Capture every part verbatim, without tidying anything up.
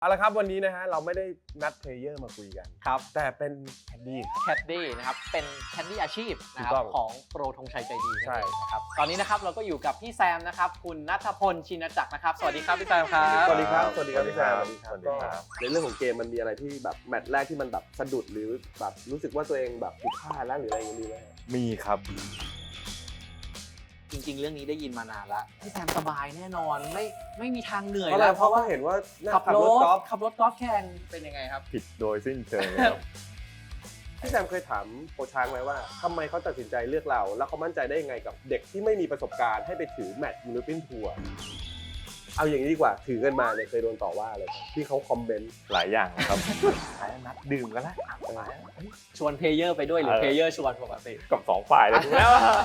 เอาละครับวันนี้นะฮะเราไม่ได้นัดเพลเยอร์มาคุยกันครับแต่เป็นแคดดี้แคดดี้นะครับเป็นแคดดี้อาชีพนะครับถูกต้องของโปรธงชัยใจดีใช่นะครับตอนนี้นะครับเราก็อยู่กับพี่แซมนะครับคุณณัฐพลชินจักรนะครับสวัสดีครับพี่แซมครับสวัสดีครับสวัสดีครับพี่แซมสวัสดีครับในเรื่องของเกมมันมีอะไรที่แบบแมตช์แรกที่มันแบบสะดุดหรือแบบรู้สึกว่าตัวเองแบบผิดพลาดแล้วหรืออะไรอย่างนี้ไหมมีครับจริงๆเรื่องนี้ได้ยินมานานแล้วพี่แซมสบายแน่นอนไม่ไม่มีทางเหนื่อยเพราะอะไรแล้วเพราะว่าเห็นว่านั่งขับขับรรถถกอล์ฟขับรถกอล์ฟแข่งเป็นยังไงครับผิดโดยสิ้นเชิงเลยครับพี่แซมเคยถามโปรช้างไหมว่าทำไมเขาตัดสินใจเลือกเรา แล้วเขามั่นใจได้ยังไงกับเด็กที่ไม่มีประสบการณ์ให้ไปถือแมตช์ยูโรเปียนทัวร์เอาอย่างนี้ดีกว่าถือกันมาเนี่ยเคยโดนต่อว่าเลยที่เขาคอมเมนต์หลายอย่างครับหลายนัดดื่มกันแล้วชวนเพลเยอร์ไปด้วยหรือเออเพลเยอร์ชวนปกติกับสองฝ่ายเลยถูกแล้ว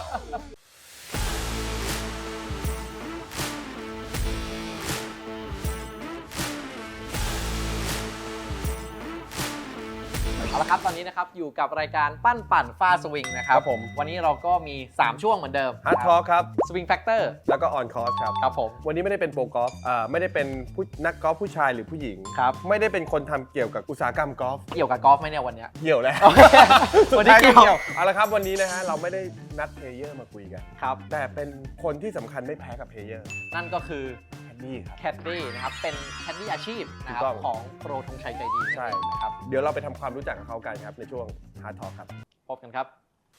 เอาละครับตอนนี้นะครับอยู่กับรายการปั้นปั่นฟาสวิงนะครับครับผมวันนี้เราก็มีสามช่วงเหมือนเดิมฮาร์ดทอล์คครับสวิงแฟกเตอร์แล้วก็ออนคอร์สครับครับผมวันนี้ไม่ได้เป็นโปรกอล์ฟอ่าไม่ได้เป็นผู้นักกอล์ฟผู้ชายหรือผู้หญิงครับไม่ได้เป็นคนทำเกี่ยวกับอุตสาหกรรมกอล์ฟเกี่ยวกับกอล์ฟไหมเนี่ยวันเนี้ยเกี่ยวแล้ววันนี้เกี่ยวเอาละครับวันนี้นะฮะเราไม่ได้นัดเพลเยอร์มาคุยกันครับแต่เป็นคนที่สำคัญไม่แพ้กับเพลเยอร์นั่นก็คือแคดดี้ครับแคดดี้นะครับเป็นแคดดี้อาชีพนะครับถูกต้องของโปรธงชัยใจดีใช่นะครับเดี๋ยวเราไปทำความรู้จักกับเขากันครับในช่วงฮาร์ดทอล์คครับพบกันครับ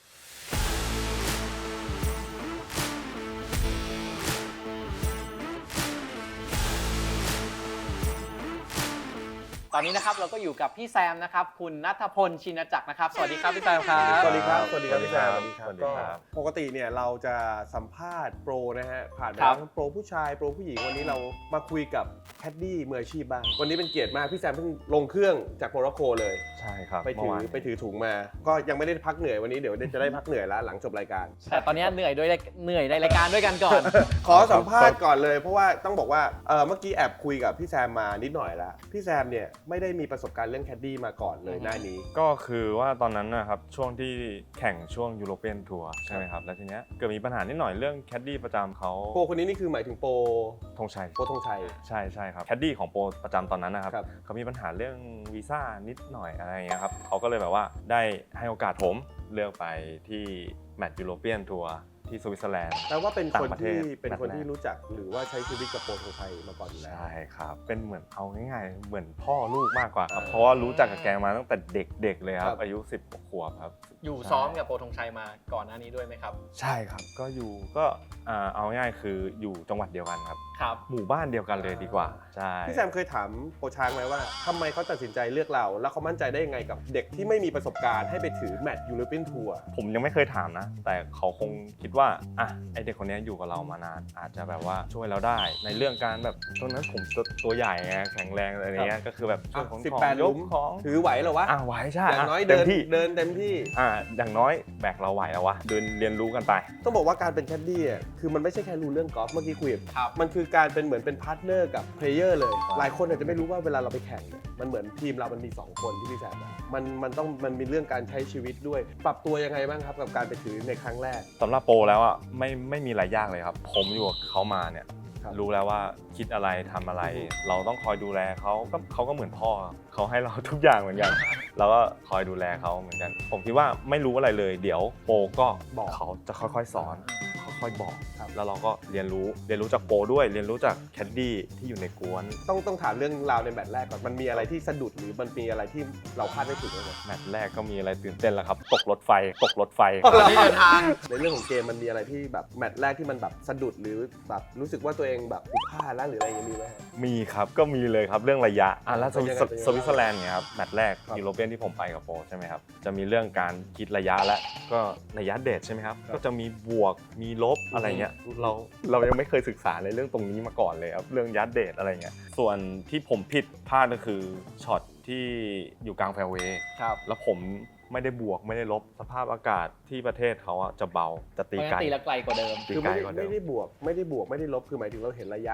ตอนนี้นะครับเราก็อยู่กับพี่แซมนะครับคุณณัฐพลชินจักรนะครับสวัสดีครับพี่แซมครับสวัสดีครับ สวัสดีครับพี่แซมสวัสดีครับก็ปกติเนี่ยเราจะสัมภาษณ์โปรนะฮะผ่านไปครับทั้งโปรผู้ชายโปรผู้หญิงวันนี้เรามาคุยกับแคดดี้มืออาชีพบ้างวันนี้เป็นเกียรติมากพี่แซมเพิ่งลงเครื่องจากโมร็อกโกเลยใช่ครับไปถือเมื่วานไปถือถุงมา ก็ยังไม่ได้พักเหนื่อยวันนี้เดี๋ยวจะได้พักเหนื่อยแล้วหลังจบรายการแต่ตอนนี้เหนื่อยด้วยเหนื่อยในรายการด้วยกันก่อนขอสัมภาษณ์ก่อนเลยเพราะว่าต้องบอกว่าเออเมื่อกี้แอบคุยกับพี่แซมมานิดหน่อยแล้วพี่แซมเนี่ยไม่ได้มีประสบการณ์เรื่องแคดดี้มาก่อนเลยอืมหน้านี้ก็คือว่าตอนนั้นนะครับช่วงที่แข่งช่วงยูโรเปียนทัวร์ใช่ไหมครับแล้วทีเนี้ยเกิดมีปัญหานิดหน่อยเรื่องแคดดี้ประจำเขาโปรคนนี้นี่คือหมายถึงโปรธงชัยโปรธงชัยใช่ใช่ครับแคดดี้ของโปรประจำตอนนั้นนะครับครับเขามีปัญหาเรื่องวีซ่านิดหน่อยอะไรอย่างเงี้ยครับเขาก็เลยแบบว่าได้ให้โอกาสผมเลือกไปที่แมตช์ยูโรเปียนทัวร์ที่สวิตเซอร์แลนด์แปลว่าเป็นคนต่างประเทที่ศเป็นคนนัดแรกที่รู้จักหรือว่าใช้ชีวิตกับโปรธงชัยมาก่อนอยู่แล้วใช่ครับ เป็นเหมือนเอาง่ายๆ เหมือนพ่อลูกมากกว่าครับอ่าเพราะว่ารู้จักกับแกมาตั้งแต่เด็กๆเลยครัครับ บอายุสิบขวบครับอยู่ซ้อมกับโปรธงชัยมาก่อนหน้านี้ด้วยไหมครับใช่ครับ ก็อยู่ก็อ่าเอาง่ายๆคืออยู่จังหวัดเดียวกันครับครับหมู่บ้านเดียวกันเลยดีกว่า ใช่พี่แซมเคยถามโปรช้างไหมว่าทำไมเขาตัดสินใจเลือกเรา แล้วเขามั่นใจได้ยังไงกับเด็กที่ไม่มีประสบการณ์ให้ไปถือแมตช์ยูโรเปียนทัวร์ผมยังไม่เคยถามนะ แต่เขาคงคิดว่าอ่ะไอเด็กคนนี้อยู่กับเรามานาน อาจจะแบบว่าช่วยเราได้ ในเรื่องการแบบตอนนั้นผมตัวตัวใหญ่ไงแข็งแรงอะไรเงี้ย ก็คือแบบช่วยของสิบของแปดหยลุกมของถือไหวเหรอวะอ่ะไหวใช่อย่างน้อยเต็เดิมนที่เดินเต็มที่อ่ะอย่างน้อยแบกเราไหวแล้ววะ เดินเรียนรู้กันไปต้องบอกว่าการเป็นแคดดี้อ่ะคือมันไม่ใช่แค่รู้เรื่องกอล์ฟเมื่อกี้คุยกับครับมันคือการเป็นเหมือนเป็นพาร์ทเนอร์กับเพลเยอร์เลย หลายคนอาจจะไม่รู้ว่าเวลาเราไปแข่งเนี่ยมันเหมือนทีมเรามันมีสองคนที่พี่แซมบอกมันมันต้องมันมีเรื่องการใช้ชีวิตด้วย ปรับตัวยังไงบ้างครับกับการไปถือในครั้งแรกสำหรับโปรแล้วอ่ะไม่ไม่มีอะไรยากเลยครับ ผมอยู่กับเขามาเนี่ยครับรู้แล้วว่าคิดอะไรทำอะไรอือฮึเราต้องคอยดูแลเขาก็เขาก็เหมือนพ่อเขาให้เราทุกอย่างเหมือนกัน เราก็คอยดูแลเขาเหมือนกัน ผมคิดว่าไม่รู้อะไรเลย เดี๋ยวโปรก็บอกเขาจะค่อยๆสอนค่อยๆบอกครับแล้วเราก็เรียนรู้เรียนรู้จากโปรด้วย เรียนรู้จากแคดดี้ที่อยู่ในกวนต้องต้องถามเรื่องราวในแมตช์แรกก่อนมันมีอะไรที่สะดุดหรือมันมีอะไรที่เราคาดไม่ถึงเลยแมตช์แรกก็มีอะไรตื่นเต้นแล้วครับตกรถไฟตกรถไฟอ๋อเหรอที่เดินทางในเรื่องของเกมมันมีอะไรที่แบบแมตช์แรกที่มันแบบสะดุดหรือแบบรู้สึกว่าตัวเองแบบผิดพลาดแล้วหรืออะไรอย่างนี้มีไหมฮะมีครับก็มีเลยครับเรื่องระยะอ่ะแล้วสวิเป็นยังไงเป็นยังไงสวิตเซอร์แลนด์เนี่ยครับแมตช์แรกครับยูโรเปียนที่ผมไปกับโปรใช่ไหมครับจะมีเรื่องการคิดระยะและก็ระยะเดทใช่ไหมครับครับก็จะมีบวกมีลบอะไรเงี้ยอืมเราเรายังไม่เคยศึกษาในเรื่องตรงนี้มาก่อนเลยครับเรื่องยัดเดทอะไรเงี้ยส่วนที่ผมผิดพลาดก็คือช็อตที่อยู่กลางแฟร์เวย์ครับแล้วผมไม่ได้บวกไม่ได้ลบสภาพอากาศที่ประเทศเขาอะจะเบาจะตีเพราะไกลงั้นตีแล้วไกลกว่าเดิมตีคือไกลไม่ได้กว่าเดิมไม่ได้บวกไม่ได้บวกไม่ได้ลบคือหมายถึงเราเห็นระยะใน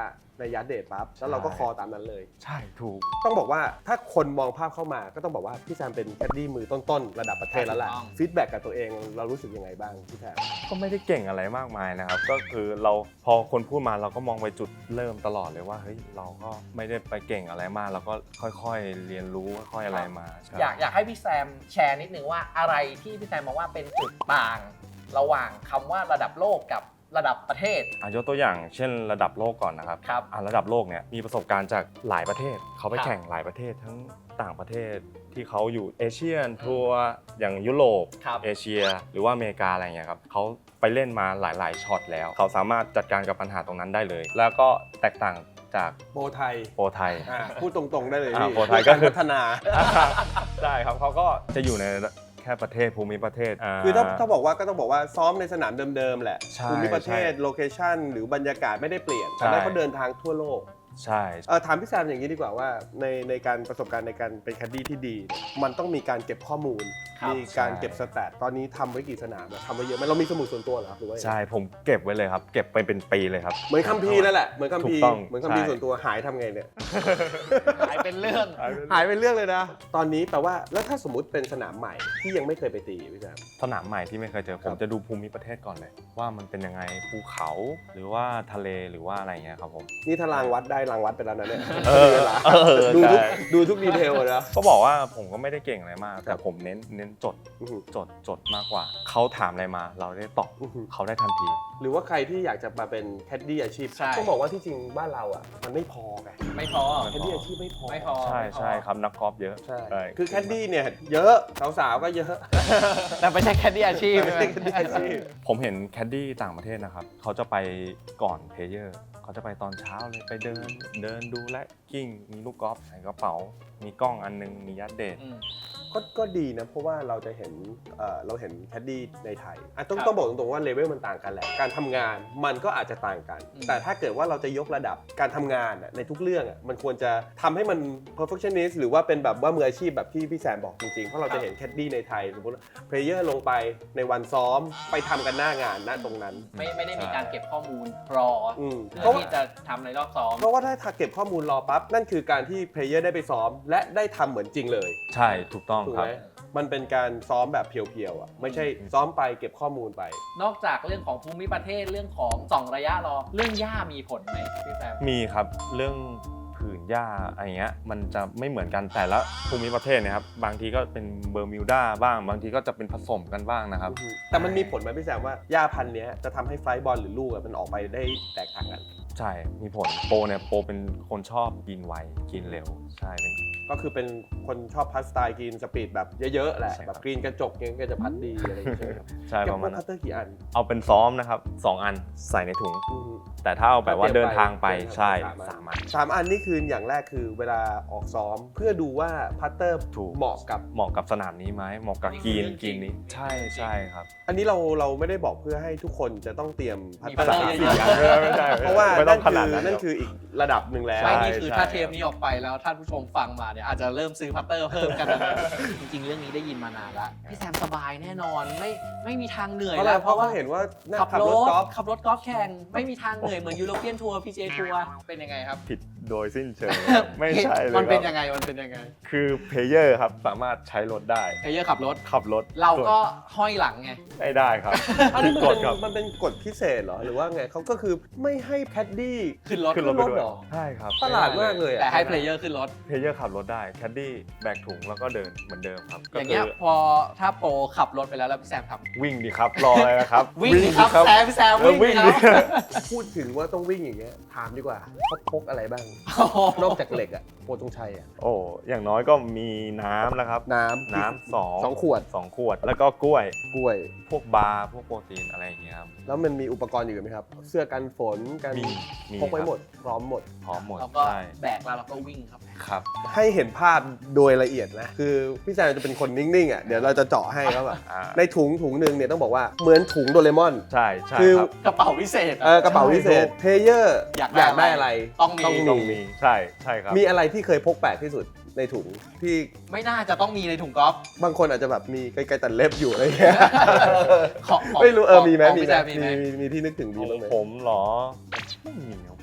ในยาร์ดเดทปั๊บแล้วเราก็คอตามนั้นเลยใช่ถูกต้องบอกว่าถ้าคนมองภาพเข้ามาก็ต้องบอกว่าพี่แซมเป็นแคดดี้มือต้นๆระดับประเทศแล้วแหละฟีดแบ็กกับตัวเองเรารู้สึกยังไงบ้างพี่แซมก็ไม่ได้เก่งอะไรมากมายนะครับก็คือเราพอคนพูดมาเราก็มองไปจุดเริ่มตลอดเลยว่าเฮ้ยเราก็ไม่ได้ไปเก่งอะไรมากเราก็ค่อยๆเรียนรู้ค่อยๆอะไรมาใช่อยากอยากให้พี่แซมแชร์นิดนึงว่าอะไรที่พี่แซมมองว่าเป็นจุดต่างระหว่างคำว่าระดับโลกกับระดับประเทศอ่ะยกตัวอย่างเช่นระดับโลกก่อนนะครับครับอ่ะระดับโลกเนี่ยมีประสบการณ์จากหลายประเทศเขาไปครับแข่งหลายประเทศทั้งต่างประเทศที่เขาอยู่เอเชียนทัวร์อย่างยุโรปครับเอเชีย หรือว่าอเมริกาอะไรเงี้ยครับเขาไปเล่นมาหลายๆช็อตแล้ว เขาสามารถจัดการกับปัญหาตรงนั้นได้เลย แล้วก็แตกต่างจากโปรไทยโปรไทยอ่ะพูดตรงๆได้เลยอ่าพี่โปรไทยก็คือพัฒนาใช่ครับเขาก็จะอยู่ในแค่ประเทศภูมิประเทศคือถ้าถ้าบอกว่าก็ต้องบอกว่าซ้อมในสนามเดิมๆแหละใช่ภูมิประเทศใช่โลเคชั่นหรือบรรยากาศไม่ได้เปลี่ยนใช่แต่ได้เขาเดินทางทั่วโลกใช่เออถามพี่แซมอย่างนี้ดีกว่าว่าในในการประสบการณ์ในการเป็นแคดดี้ที่ดีเนี่ยมันต้องมีการเก็บข้อมูลครับมีการเก็บสแตทตอนนี้ทำไว้กี่สนามอะทำไว้เยอะไหมเรามีสมุดส่วนตัวเหรอครับหรือว่ายังไงใช่ผมเก็บไว้เลยครับ เก็บไปเป็นปีเลยครับเหมือนคัมภีร์นั่นแหละเหมือนคัมภีร์ถูกต้องเหมือนคัมภีร์ใช่ส่วนตัวหายทำไงเนี่ยหายเป็นเรื่องหายเป็นเรื่องเลยนะ ตอนนี้แปลว่าแล้วถ้าสมมุติเป็นสนามใหม่ที่ยังไม่เคยไปตีพี่แซมสนามใหม่ที่ไม่เคยเจอคผรับมจะดูภูมิประเทศก่อนเลย ว่ามันเป็นยังไงภูเขาหรือว่าทะเลหรือว่าอะไรเงี้ยครับผมนี่ถ้ารางวัดได้รางวัดไปแล้วนะเนี่ยเออเวลาเออดูทุกใช่ดูทุกดีเทลเลยนะก็บอกว่าผมก็ไม่ได้เก่งอะไรมาก แต่ผมเน้นเน้นจดอื้อหือจดจดมากกว่า เขาถามอะไรมาเราได้ตอบอื้อหือเขาได้ทันทีหรือว่าใครที่อยากจะมาเป็นแคดดี้อาชีพใช่ต้องบอกว่าที่จริงบ้านเราอ่ะมันไม่พอไงไม่พอแคดดี้อาชีพไม่พอไม่พอใช่ใช่ครับนักกอล์ฟเยอะใช่ใช่คือแคดดี้เนี่ยเยอะสาวๆก็เยอะแต่ไม่ใช่แคดดี้อาชีพไม่ใช่แคดดี้อาชีพผมเห็นแคดดี้ต่างประเทศนะครับเขาจะไปก่อนเพลเยอร์เขาจะไปตอนเช้าเลยไปเดิน เดินดูและกิ้งมีลูกกอล์ฟใส่กระเป๋า มีกล้องอันนึงมียัดเดทอืมก็ก็ดีนะเพราะว่าเราจะเห็นเอ่อเราเห็นแคดดี้ในไทยอ่ะต้องครับต้องบอกตรงๆว่าเลเวลมันต่างกันแหละการทำงานมันก็อาจจะต่างกันอืมแต่ถ้าเกิดว่าเราจะยกระดับการทำงานอ่ะในทุกเรื่องอ่ะมันควรจะทำให้มัน perfectionist หรือว่าเป็นแบบว่ามืออาชีพแบบที่พี่แซมบอกจริงๆเพราะเราจะเห็นแคดดี้ในไทยสมมติเพลเยอร์ลงไปในวันซ้อมไปทำกันหน้างานณตรงนั้นไม่ไม่ได้มีการเก็บข้อมูลรออืมเพื่อที่จะทำในรอบซ้อมเพราะว่าถ้าเก็บข้อมูลรอปั๊บนั่นคือการที่เพลเยอร์ได้ไปซ้อม และได้ทำเหมือนจริงเลยใช่ถูกต้องถูกครัไหบมมันเป็นการซ้อมแบบเพียวๆอ่ะไม่ใช่ซ้อมไปเก็บข้อมูลไปนอกจากเรื่องของภูมิประเทศเรื่องของส่องระยะรอเรื่องหญ้ามีผลไหมพี่แซมมีครับเรื่องผืนหญ้าอะไรเงี้ยมันจะไม่เหมือนกันแต่ละภูมิประเทศเนะครับบางทีก็เป็นเบอร์มิวดาบ้าง บางทีก็จะเป็นผสมกันบ้างนะครับแต่มันมีผลไหมพี่แซมว่าหญ้าพันธุ์เนี้ยจะทำให้ไฟล์บอลหรือลูกอะมันออกไปได้แตกต่างกันใช่มีผลโปรเนี่ยโปรเป็นคนชอบกินไวกินเร็วใช่เป็นก็คือเป็นคนชอบพัดสไตล์กรีนสปีดแบบเยอะๆแหละใช่ครับแบบกรีนกระจกเงี้ยก็จะพัดดีอะไรอย่างเงี้ยใช่ไหมครับใช่เก็บประพมาว ณกนั้พัตนเตอร์กี่อันเอาเป็นซ้อมนะครับสองอันใส่ในถุงอืมแต่ถ้าเอาแบบว่าเดินทางไปเดินทางใช่สามอันสามอันสามอันนี่คืออย่างแรกคือเวลาออกซ้อมเพื่อดูว่าพัตเตอร์ถูกเหมาะกับเหมาะกับสนามนี้ไหมเหมาะกับนี่กรีนคือเรื่องกรีนนี้จริงใช่ใช่ครับอันนี้เราเราไม่ได้บอกเพื่อให้ทุกคนจะต้องเตรียมพัตมีเตอร์พัตเตอร์สามเยสี่อะอันไม่ใช่เพราะว่าไม่ต้นั่องนขคืนาดอนั้นนั่นคืออีกระดับหนึ่งแล้วไม่ใช่นี่คือใช่ถ้าเทปนี้ออกไปแล้วท่านผู้ชมฟังมาเนี่ยอาจจะเริ่มซื้อพัตเตอร์เพิ่มกันนะ จริงๆ เรื่องนี้ได้ยินมานานแล้วพี่แซมสบายแน่นอนไม่ไม่มีทางเหนื่อยเพราะอะไรแล้วเพราะว่าเห็นว่านั่งขับขับรรถถกอล์ฟขับรถกอล์ฟแข่งไม่มีทางเหนื่อยเหมือนยูโรเปียนทัวร์พีจีเอทัวร์เป็นยังไงครับผิดโดยสิ้นเชิงไม่ใช่เลยมันเป็นคยัรับงไงมันเป็นยังไงคือเพลเยอร์ครับสามารถใช้รถได้เพลเยอร์ขับรถขับรถเราก็ส่วนห้อยหลังไงไม่ได้ครับอันนี้มันกเป็ฎนครับมันเป็นกฎพิเศษเหรอหรือว่าไงเขาก็คือไม่ให้แคดดี้ขึ้นรถขึ้นรถไปขึ้นรถด้วยเหรอใช่ครับประหลาดมากเลยอะแต่ให้เพลเยอร์ขึ้นรถเพลเยอร์ขับรถได้แคดดี้แบกถุงแล้วก็เดินเหมือนเดิมครับอย่างเงี้ยก็คืพอถ้าโปรขับรถไปแล้วแล้วพี่แซมทำวิ่งดีครับรออะไรนะครับวิ่งดิครับแซมพี่แซมเออวิ่งดิวิ่งคดิรับพูดถึงว่าต้องวิ่งอย่างเงี้ยถามดีกว่าเขาพกอะไรบ้างโอ้โหนอกจากเหล็กอะโปรตรงชัยอะโอ้อย่างน้อยก็มีน้ำนะครับน้ำน้ำสองสองขวดสองขวด แล้วก็กล้วยกล้วยพวกบาร์พวกโปรตีนอะไรอย่างเงี้ยครับแล้วมันมีอุปกรณ์อยู่ไหมครับ เสื้อกันฝนกันมีมีพกไว้ครับหมดพร้อมหมดพร้อมหมดเราก็ใช่แบกแล้วเราก็วิ่งครับครับให้เห็นภาพโดยละเอียดนะคือพี่แซมจะเป็นคนนิ่งๆอ่ะเดี๋ยวเราจะเจาะให้ครับอ่าในถุงถุงหนึ่งเนี่ยต้องบอกว่าเหมือนถุงโดเรมอนใช่ใช่คือครับกระเป๋าพิเศษเออกระเป๋าพิเศษเพลเยอร์อยากได้ได้อะไรต้องมีต้องต้องมีใช่ใช่ครับมีอะไรที่เคยพกแปลกที่สุดในถุงที่ไม่น่าจะต้องมีในถุงกอล์ฟบางคนอาจจะแบบมีไกลๆตัดเล็บอยู่อะไรอย่างเงี้ยของของไม่รู้เออมีไหมของมีพี่ไหมแซมมีไหมมีมีมีที่นึกถึงดีบ้างไหมผมเหรอไม่มีของผม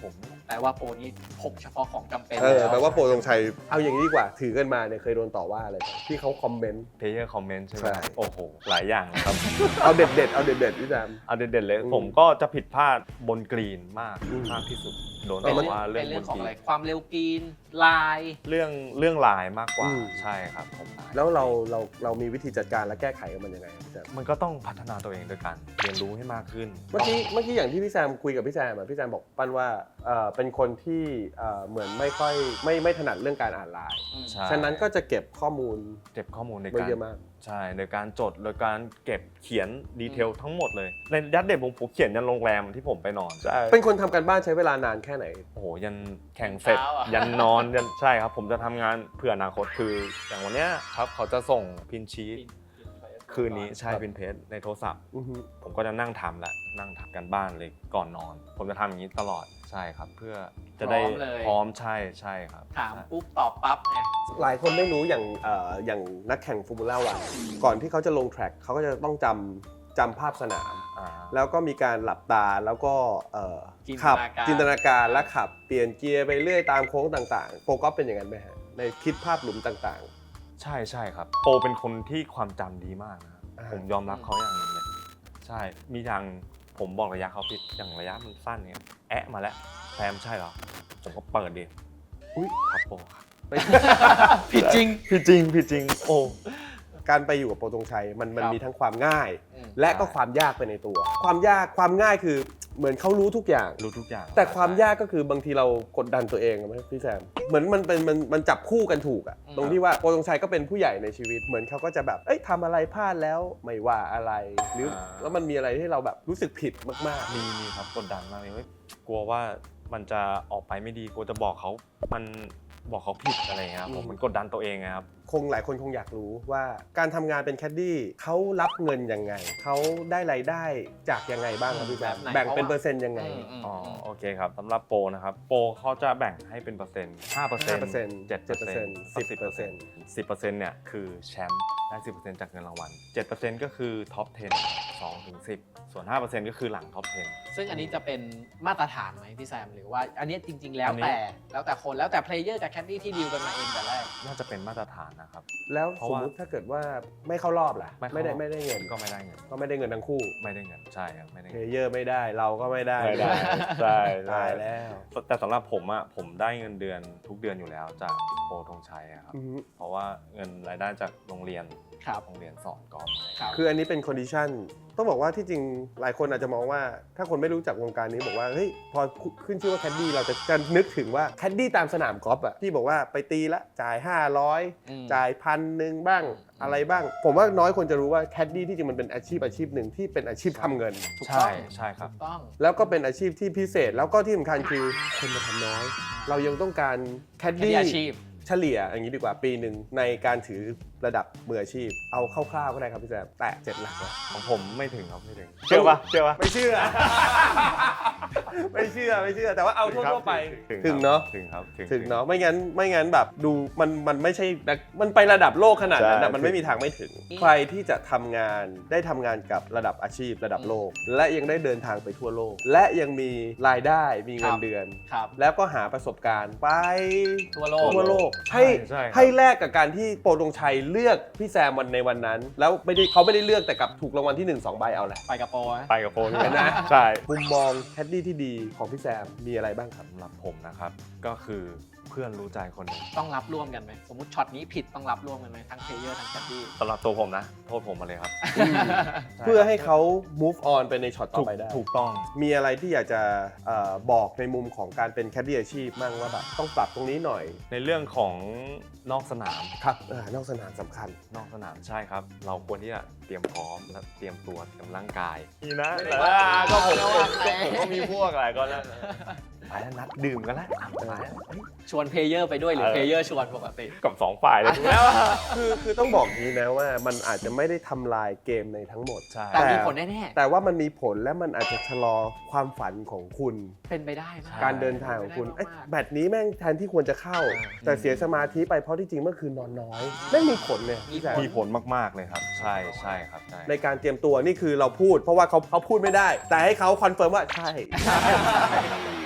แต่ว่าโปรนี้พกเฉพาะของจำเป็นเออแปลว่าโปรตรงชัยเอาอย่างนี้ดีกว่าถือกันมาเนี่ยเคยโดนต่อว่าอะไรบ้างที่เขาคอมเมนต์เพลเยอร์คอมเมนต์ใช่ไหมใช่ครับโอ้โหหลายอย่างนะครับเอาเด็ดเด็ดๆเอาเด็ดเด็ดๆพี่แซมเอาเด่นๆเลยอืมผมก็จะผิดพลาดบนกรีนมากอืมมากที่สุดโดนเป็นต่อเรื่องว่าเรื่เป็องนเรื่องบนของกรีอะไรนความเร็วกรีนลายเรื่องเรื่องลายมากกว่าอืมใช่ครับผมแล้วเราเราเรามีวิธีจัดการและแก้ไขกับมันยังไงครับพี่แซมมันก็ต้องพัฒนาตัวเองด้วยกันเรียนรู้ให้มากขึ้นเมื่อกี้เมื่อกี้อย่างที่พี่แซมคุยกับพี่แซมอะพี่แซมบอกปั้นว่าเอ่อเป็นคนที่เอ่อเหมือนไม่ค่อยไม่ไม่ถนัดเรื่องการอ่านไลน์ใช่ฉะนั้นก็จะเก็บข้อมูลเก็บข้อมูลในไว้การเยอะมากใช่โดยการจดโดยการเก็บเขียนดีเทลทั้งหมดเลยในยัดเด็ดผมผมเขียนยันโรงแรมที่ผมไปนอนใช่เป็นคนทำการบ้านใช้เวลานานแค่ไหนโอ้โหยันแข่งเสร็จเช้าอะยันนอนยันใช่ครับผมจะทำงานเพื่ออนาคตคืออย่างวันเนี้ยครับเขาจะส่งพินชีตคืนนี้ใช่ครับพินเพจในโทรศัพท์อือฮึผมก็จะนั่งทำละนั่งทำกันบ้านเลยก่อนนอน ผมจะทำอย่างนี้ตลอดใช่ครับ เพื่อจะได้พร้อมเลยพร้อมใช่ใช่ครับถามปุ๊บตอบปั๊บไงหลายคนไม่รู้อย่างเอ่ออย่างนักแข่งฟอร์มูล่าวันก่อนที่เขาจะลงแทร็กเขาก็จะต้องจำจำภาพสนามอ่าแล้วก็มีการหลับตาแล้วก็เอ่อจินตขับนาการจินตนาการและขับเปลี่ยนเกียร์ไปเรื่อยตามโค้งต่างๆโปรก็เป็นอย่างนั้นไหมฮะในคิดภาพหลุมต่างใช่ใช่ครับโปรเป็นคนที่ความจำดีมากนะครับอ่าผมยอมรับเขาอย่างหนึงเลยใช่มีอย่างผมบอกระยะเขาผิดอย่างระยะมันสั้นเนี่ยแอะมาแล้วแซมใช่เหรอผมก็เปิดดิๆอุ๊ยครับโปรครับผิดจริงผิดจริงผิดจริงโอ้การไปอยู่กับโปรตรงชัยมันมันครับมีทั้งความง่ายอืมและก็ความยากไปในตัว ความยากความง่ายคือเหมือนเขารู้ทุกอย่างรู้ทุกอย่างแต่ความยากก็คือบางทีเรากดดันตัวเองไหมพี่แซมเหมือนมันเป็นมันมันจับคู่กันถูกอะอืมตรงที่ว่าโปรตรงชัยก็เป็นผู้ใหญ่ในชีวิต เหมือนเขาก็จะแบบเอ้ยทำอะไรพลาดแล้วไม่ว่าอะไรหรือแล้วมันมีอะไรที่เราแบบรู้สึกผิดมากๆมีมีครับกดดันมากเลยเฮ้ยกลัวว่ามันจะออกไปไม่ดีกลัวจะบอกเขามันบอกเขาผิดอะไรเงี้ยครับผมอืมมันกดดันตัวเองไงครับคงหลายคนคงอยากรู้ว่าการทำงานเป็นแคดดี้เขารับเงินยังไงเขาได้รายได้จากยังไงบ้างครับพี่แซมแบบไหนแบ่งเป็นเปอร์เซ็นต์ยังไงอืมอืมอ๋อโอเคครับสำหรับโปรนะครับโปรเขาจะแบ่งให้เป็นเปอร์เซ็นต์ห้าเปอร์เซ็นต์ห้าเปอร์เซ็นต์เจ็ดเปอร์เซ็นต์สิบเปอร์เซ็นต์สิบเปอร์เซ็นต์เนี่ยคือแชมป์ได้สิบเปอร์เซ็นต์จากเงินรางวัลเจ็ดเปอร์เซ็นต์ก็คือท็อปสิบ สองถึงสิบส่วนห้าเปอร์เซ็นต์ก็คือหลังท็อปสิบซึ่งอันนี้จะเป็นมาตรฐานไหมพี่แซมหรือว่าอันนี้จริง ๆ แล้วอันนี้แต่แล้วแต่คนแล้วแต่เพลเยอร์กับแคดดี้ที่ดีลกันมาเองแต่แรกน่าจะเป็นมาตรฐานนะครับแล้วเพราะสมว่ามติถ้าเกิดว่าไม่เข้ารอบล่ะเข้าไม่ได้ไม่ได้เงินก็ไม่ได้เงินก็ไม่ได้เงินทั้งคู่ไม่ได้เงินใช่ครับไม่ได้เพเงินลเยอร์ไม่ได้เราก็ไม่ได้ไม่ได้ใช่ใช่ตายแล้วแต่สำหรับผมอะผมได้เงินเดือนทุกเดือนอยู่แล้วจากโปรธงชัยอะครับอือฮึเพราะว่าเงินรายได้จากโรงเรียนครับโรงเรียนสอนกอล์ฟครับคืออันนี้เป็นคอนดิชันต้องบอกว่าที่จริงหลายคนอาจจะมองว่า ถ้าคนไม่รู้จักวงการนี้บอกว่าเฮ้ยพอขึ้นชื่อว่าแคดดี้เราจะจะนึกถึงว่าแคดดี้ตามสนามกอล์ฟอะที่บอกว่าไปตีละจ่ายห้าร้อยอืมจ่ายพันหนึ่งบ้างอืมอะไรบ้าง ผมว่าน้อยคนจะรู้ว่าแคดดี้ที่จริงมันเป็นอาชีพอาชีพหนึ่งที่เป็นอาชีพทำเงินถูกต้ใช่องใช่ครับถูกต้องแล้วก็เป็นอาชีพที่พิเศษ แล้วก็ที่สำคัญคือคนมาทำน้อย เรายังต้องการแคดแคดดี้ดี้อาชีพเฉลี่ยอย่างนี้ดีกว่าปีหนึ่งในการถือระดับมืออาชีพ เอาคร่าวๆก็ได้ครับพี่แซมแตะเจ็ดหลักแล้วของผมไม่ถึงครับไม่ถึงเชื่อปะเชื่อปะไม่เชื่อ ไม่เชื่อไม่เชื่อแต่ว่าเอาทั่วๆไปถึงถึงเนาะถึงครับถึงเนาะไม่งั้นไม่งั้นแบบดูมันมันไม่ใช่มันไประดับโลกขนาดนั้นใช่นะมันไม่มีทางไม่ถึง ใครที่จะทำงานได้ทำงานกับระดับอาชีพระดับโลก และยังได้เดินทางไปทั่วโลก และยังมีรายได้มีเงิครันบเดือนครับแล้วก็หาประสบการณ์ไปทั่วโลกทั่วโลกใช่ให้ใช่ครับให้แลกกับการที่โปรดงชัยเลือกพี่แซมวันในวันนั้น แล้วไม่ได้เขาไม่ได้เลือกแต่กับถูกรางวัลที่หนึ่ง สองใบเอาแหละไปกับโปรนะไปกับโปรนี่เห็นไหมใช่มุมมองแคดดี้ที่ดีของพี่แซมมีอะไรบ้างครับสำหรับผมนะครับก็คือเพื่อนรู้ใจคนหนึ่งต้องรับร่วมกันไหมสมมติช็อตนี้ผิดต้องรับร่วมกันไหมทั้งเพลเยอร์ทั้งแคดดี้สำหรับตัวผมนะ โทษผมมาเลยครับเพื่อให้เขา move on ไปในช็อตต่อถูกไปได้ถูกต้องมีอะไรที่อยากจะเอ่อบอกในมุมของการเป็นแคดดี้อาชีพมั่งว่าแบบต้องปรับตรงนี้หน่อยในเรื่องของนอกสนามครับเออนอกสนามสำคัญนอกสนามใช่ครับ เราควรที่จะเตรียมพร้อมและเตรียมตัวเตรียมร่างกายนี่นะไม่ได้แต่ว่าว่าก็ผมเราก็ว่าผมก็มีพวกอะไรก็แล้วไปแล้วนัดดื่มกันแล้วอ่ะไปแล้วเฮ้ยชวนเพลเยอร์ไปด้วยหรือเออเพลเยอร์ชวนปกติกับสองฝ่ายเลยดูแล้วอะคือคือต้องบอกนี้นะว่ามันอาจจะไม่ได้ทำลายเกมในทั้งหมดใช่แต่มีผลแน่แต่ว่ามันมีผลและมันอาจจะชะลอความฝันของคุณๆ เป็นไปได้มากการเดินทางของคุณเป็นเอ๊ะไปได้มากแบตนี้แม่งแทนที่ควรจะเข้า แต่เสียสมาธิไปเพราะที่จริงเมื่อคืนนอนน้อยแม่งมีผลเนี่ยพี่แซมมีผลมากๆเลยครับ ใช่ใช่ครับใช่ในการเตรียมตัวนี่คือเราพูด เพราะว่าเขาเขาพูดไม่ได้ แต่ให้เขาคอนเฟิร์มว่าใช่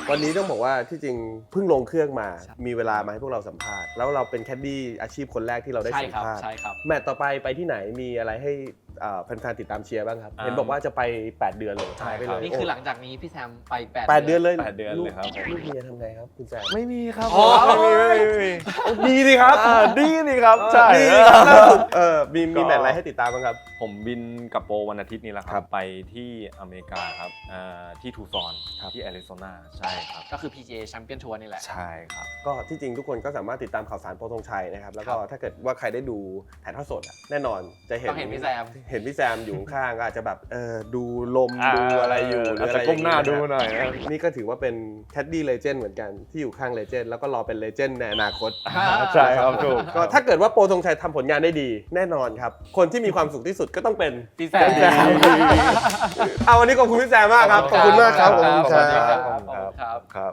วันนี้ต้องบอกว่าที่จริงเพิ่งลงเครื่องมาใช่มีเวลามาให้พวกเราสัมภาษณ์แล้วเราเป็นแคดดี้อาชีพคนแรกที่เราได้ใช่สัมครับภาษณ์ใช่ครับแมตต์ต่อไปไปที่ไหนมีอะไรให้อ่าแฟนๆติดตามเชียร์บ้างครับอ่าเห็นบอกว่าจะไปแปดเดือนเลยใช่หายไปครัเลบยนี่คือหลังจากนี้พี่แซมไปแปดแปดเดือนเลยแปดเดือนเลยครับลูกเมียทำไงครับคุณแซมไม่มีครับอ๋อไม่มีไม่มีไม่มีดีสิครับอ่าดีนี่ครับใช่ดีสิครับล่าสุดเออมีมีก็แมตต์อะไรให้ติดตามบ้างครับผมบินกับโปรวันอาทิตย์นี้แหละคครัรับ บ ไปที่อเมริกาครับอ่าที่ทูซอนครับที่แอริโซนาใช่ครับก็คือ พี จี เอ Champion Tour นี่แหละใช่ครับก็ที่จริงทุกคนก็สามารถติดตามข่าวสารโปรธงชัยนะครับแล้วก็ครับถ้าเกิดว่าใครได้ดูถ่ายทอดสดอะแน่นอนจะเห็นต้องเห็นพี่แซมเห็นพี่แซมอยู่ข้างๆก็อาจจะแบบเออดูลมอ่าดูอะไรอยู่หรืออาจอะไรจะก้มหน้าอย่งดูเงี้ยหน่อยนะนี่ก็ถือว่าเป็นแคดดี้เลเจนด์เหมือนกันที่อยู่ข้างเลเจนด์แล้วก็รอเป็นเลเจนด์ในอนาคตใช่ครับถูกก็ถ้าเกิดว่าโปรธงชัยทำผลงานได้ดีแน่นอนครับ คนที่มีความสุขที่สุดก็ต้องเป็นพี่แซมพี่แซม เอาวันนี้ขอบคุณพี่แซมมากครับขอบคุณมากครับขอบคุณขอบคคุรัณบครับขอบคุณครับครับ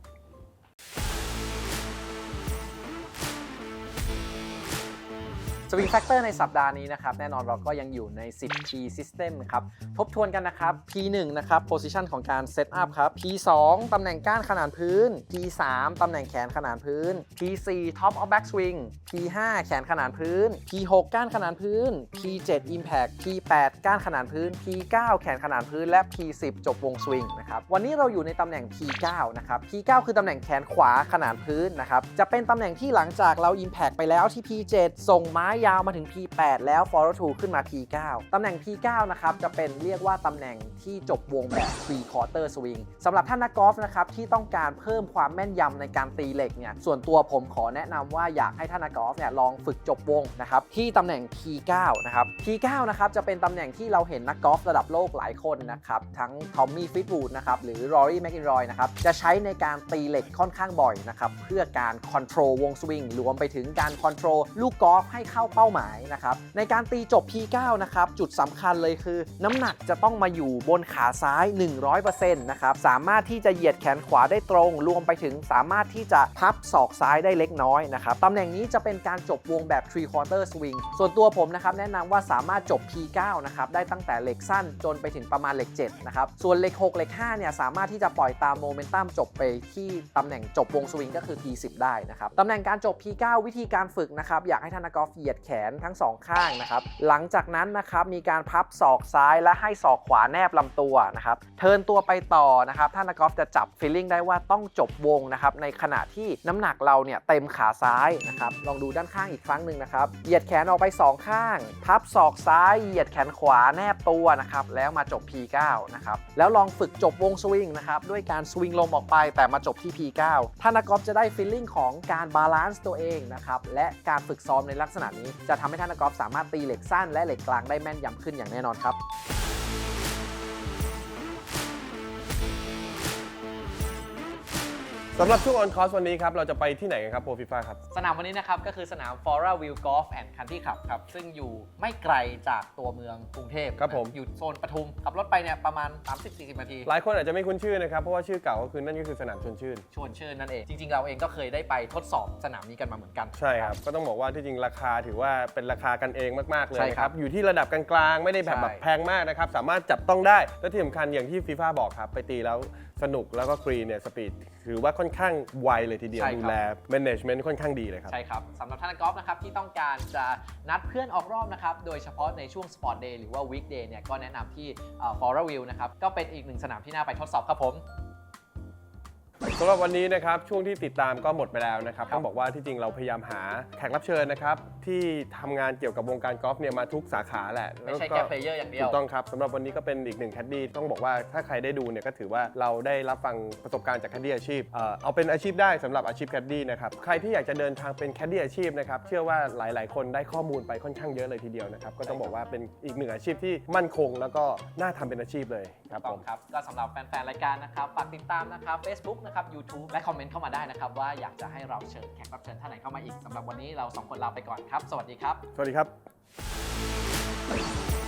สวิงแฟกเตอร์ในสัปดาห์นี้นะครับแน่นอนเราก็ยังอยู่ใน สิบ P System ครับทบทวนกันนะครับ พี หนึ่ง นะครับ Position ของการ Set Up ครับ พี สอง ตำแหน่งก้านขนานพื้น พี สาม ตำแหน่งแขนขนานพื้น พี สี่ Top of Back Swing พี ห้า แขนขนานพื้น พี หก ก้านขนานพื้น พี เจ็ด Impact พี แปด ก้านขนานพื้น พี เก้า แขนขนานพื้นและ พี สิบ จบวงสวิงนะครับวันนี้เราอยู่ในตำแหน่ง พี เก้า นะครับ พี เก้า คือตำแหน่งแขนขวาขนานพื้นนะครับจะเป็นตำแหน่งที่หลังจากเรา Impact ไปแล้วที่ พี เจ็ด ส่งไม้ยาวมาถึง พี แปด แล้ว follow through ขึ้นมา พี เก้า ตำแหน่ง พี เก้า นะครับจะเป็นเรียกว่าตำแหน่งที่จบวงแบบ three quarter swing สำหรับท่านนักกอล์ฟนะครับที่ต้องการเพิ่มความแม่นยำในการตีเหล็กเนี่ยส่วนตัวผมขอแนะนำว่าอยากให้ท่านนักกอล์ฟเนี่ยลองฝึกจบวงนะครับที่ตำแหน่ง พี เก้า นะครับ พี เก้า นะครับจะเป็นตำแหน่งที่เราเห็นนักกอล์ฟระดับโลกหลายคนนะครับทั้งทอมมี่ฟิตวูดนะครับหรือรอรี่แมคอินรอยนะครับจะใช้ในการตีเหล็กค่อนข้างบ่อยนะครับเพื่อการคอนโทรลวงสวิงรวมไปถึงการคอนโทรลลูกกอล์ฟให้เข้าเป้าหมายนะครับในการตีจบ พี เก้า นะครับจุดสำคัญเลยคือน้ำหนักจะต้องมาอยู่บนขาซ้าย หนึ่งร้อยเปอร์เซ็นต์ นะครับสามารถที่จะเหยียดแขนขวาได้ตรงรวมไปถึงสามารถที่จะพับศอกซ้ายได้เล็กน้อยนะครับตำแหน่งนี้จะเป็นการจบวงแบบ three quarter swing ส่วนตัวผมนะครับแนะนำว่าสามารถจบ พี เก้า นะครับได้ตั้งแต่เหล็กสั้นจนไปถึงประมาณเหล็กเจ็ดนะครับส่วนเหล็กหกเหล็กห้าเนี่ยสามารถที่จะปล่อยตามโมเมนตัมจบไปที่ตำแหน่งจบวงสวิงก็คือ พี สิบ ได้นะครับตำแหน่งการจบ พี เก้า วิธีการฝึกนะครับอยากให้ท่านนักกอล์ฟเหยียดแขนทั้งสองข้างนะครับหลังจากนั้นนะครับมีการพับศอกซ้ายและให้ศอกขวาแนบลำตัวนะครับเทิร์นตัวไปต่อนะครับท่านนักกอล์ฟจะจับฟีลลิ่งได้ว่าต้องจบวงนะครับในขณะที่น้ำหนักเราเนี่ยเต็มขาซ้ายนะครับลองดูด้านข้างอีกครั้งหนึ่งนะครับเหยียดแขนออกไปสองข้างพับศอกซ้ายเหยียดแขนขวาแนบตัวนะครับแล้วมาจบ พี เก้า นะครับแล้วลองฝึกจบวงสวิงนะครับด้วยการสวิงลมออกไปแต่มาจบที่ พี เก้า ท่านนักกอล์ฟจะได้ฟีลลิ่งของการบาลานซ์ตัวเองนะครับและการฝึกซ้อมในลักษณะนี้จะทำให้ท่านนักกอล์ฟสามารถตีเหล็กสั้นและเหล็กกลางได้แม่นยำขึ้นอย่างแน่นอนครับสำหรับช่วงออนคอร์สวันนี้ครับเราจะไปที่ไหนกันครับโปรฟีฟ่าครับสนามวันนี้นะครับก็คือสนาม Fora View Golf and Country Club ครับซึ่งอยู่ไม่ไกลจากตัวเมืองกรุงเทพครับผมอยู่โซนปทุมขับรถไปเนี่ยประมาณ สามสิบถึงสี่สิบ นาทีหลายคนอาจจะไม่คุ้นชื่อนะครับเพราะว่าชื่อเก่าก็คือนั่นก็คือสนามชวนชื่นชวนชื่นนั่นเอง จริง ๆ เราเองก็เคยได้ไปทดสอบสนามนี้กันมาเหมือนกันใช่ครับก็ต้องบอกว่าที่จริงราคาถือว่าเป็นราคากันเองมากๆเลยใช่นะคครัรับ บอยู่ที่ระดับกลางๆไม่ได้แบบใช่แบบแพงมากนะครับสามารถจับต้องได้และที่สำคัญอย่างที่ฟีฟ่าบอกครับไปตีแล้วสนุกแล้วก็กรีนเนี่ยสปีดถือว่าค่อนข้างไวเลยทีเดียวดูแล management ค่อนข้างดีเลยครับใช่ครับสำหรับท่านนักกอล์ฟนะครับที่ต้องการจะนัดเพื่อนออกรอบนะครับโดยเฉพาะในช่วง Sport Day หรือว่า Weekday เนี่ยก็แนะนำที่ Fora View นะครับก็เป็นอีกหนึ่งสนามที่น่าไปทดสอบครับผมสำหรับวันนี้นะครับช่วงที่ติดตามก็หมดไปแล้วนะครับครับต้องบอกว่าที่จริงเราพยายามหาแขกรับเชิญนะครับที่ทำงานเกี่ยวกับวงการกอล์ฟเนี่ยมาทุกสาขาแหละไม่ใช่ล้วก็แค่เพลเยอร์อย่างเดียวถูกต้องครับสำหรับวันนี้ก็เป็นอีกหนึ่งแคดดี้ต้องบอกว่าถ้าใครได้ดูเนี่ยก็ถือว่าเราได้รับฟังประสบการณ์จากแคดดี้อาชีพเอ่อเอาเป็นอาชีพได้สำหรับอาชีพแคดดี้นะครับใครที่อยากจะเดินทางเป็นแคดดี้อาชีพนะครับเชื่อว่าหลาย ๆ คนได้ข้อมูลไปค่อนข้างเยอะเลยทีเดียวนะครับก็ต้องบอกว่าเป็นอีกหนึ่งอาชีพที่มั่นคง แล้วก็น่าทำเป็นอาชีพเลยครับต้ผองมครับก็สำหรับแฟนๆรายการนะครับฝากติดตามนะครับ Facebook นะครับ YouTube และคอมเมนต์เข้ามาได้นะครับว่าอยากจะให้เราเชิญแขกรับเชิญท่านไหนเข้ามาอีกสำหรับวันนี้เราสองคนลาไปก่อนครับสวัสดีครับสวัสดีครับ